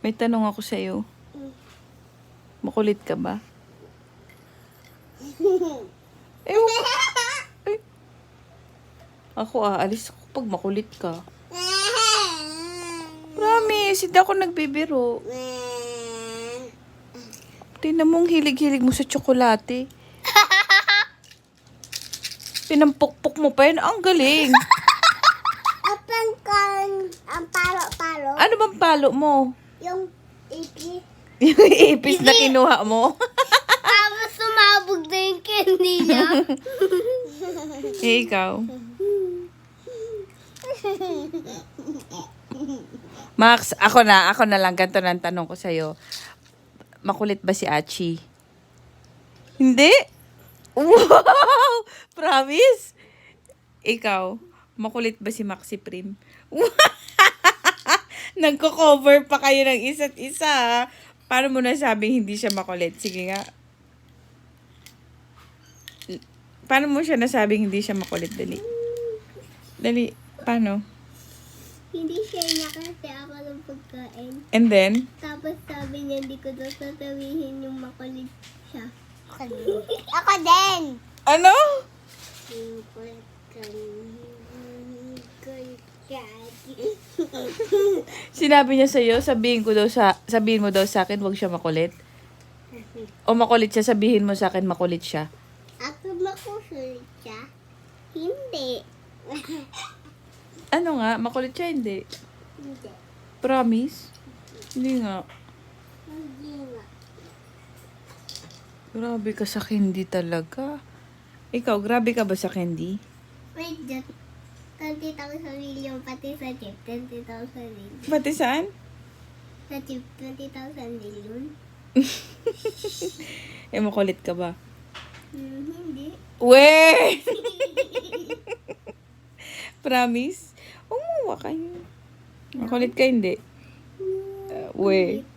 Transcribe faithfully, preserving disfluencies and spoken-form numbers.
May tanong ako sa'yo. Makulit ka ba? Ewan ko. Ay. Ako aalis ako pag makulit ka. Promise, hindi ako nagbibiro. Tingnan mo ang hilig-hilig mo sa tsokolate. Pinampukpok mo pa yun. Ang galing. Apang kan, ang palo-palo. Ano bang palo mo? Yung ipis. Yung ipis na kinuha mo? Tapos sumabog na yung candy niya. Eh, ikaw? Max, ako na. Ako na lang. Ganito na ang tanong ko sa'yo. Makulit ba si Achi? Hindi? Wow! Promise? Ikaw, makulit ba si Maxi Prim? Nagko-cover pa kayo ng isa't isa, ha? Paano mo nasabing hindi siya makulit? Sige nga. Paano mo siya nasabing hindi siya makulit? Dali. Dali. Paano? Hindi siya niya kasi ako ng pagkain. And then? Tapos sabi niya hindi ko daw sasabihin yung makulit siya. Ako din. Ako din! Ano? Sinabi niya sa'yo, sabihin ko daw sa, sabihin mo daw sa akin, wag siya makulit? O makulit siya, sabihin mo sa akin, makulit siya? Ako makulit siya? Hindi. Ano nga, makulit siya, hindi? Hindi. Promise? Hindi nga. Hindi nga. Grabe ka sa candy talaga. Ikaw, grabe ka ba sa candy? Wait, just twenty thousand million pati sa chip. twenty thousand million. Pati saan? Sa chip, twenty thousand million. Eh, makulit ka ba? Hmm, hindi. Weh! Promise? Umuwa kayo. Makulit ka, hindi? Uh, weh.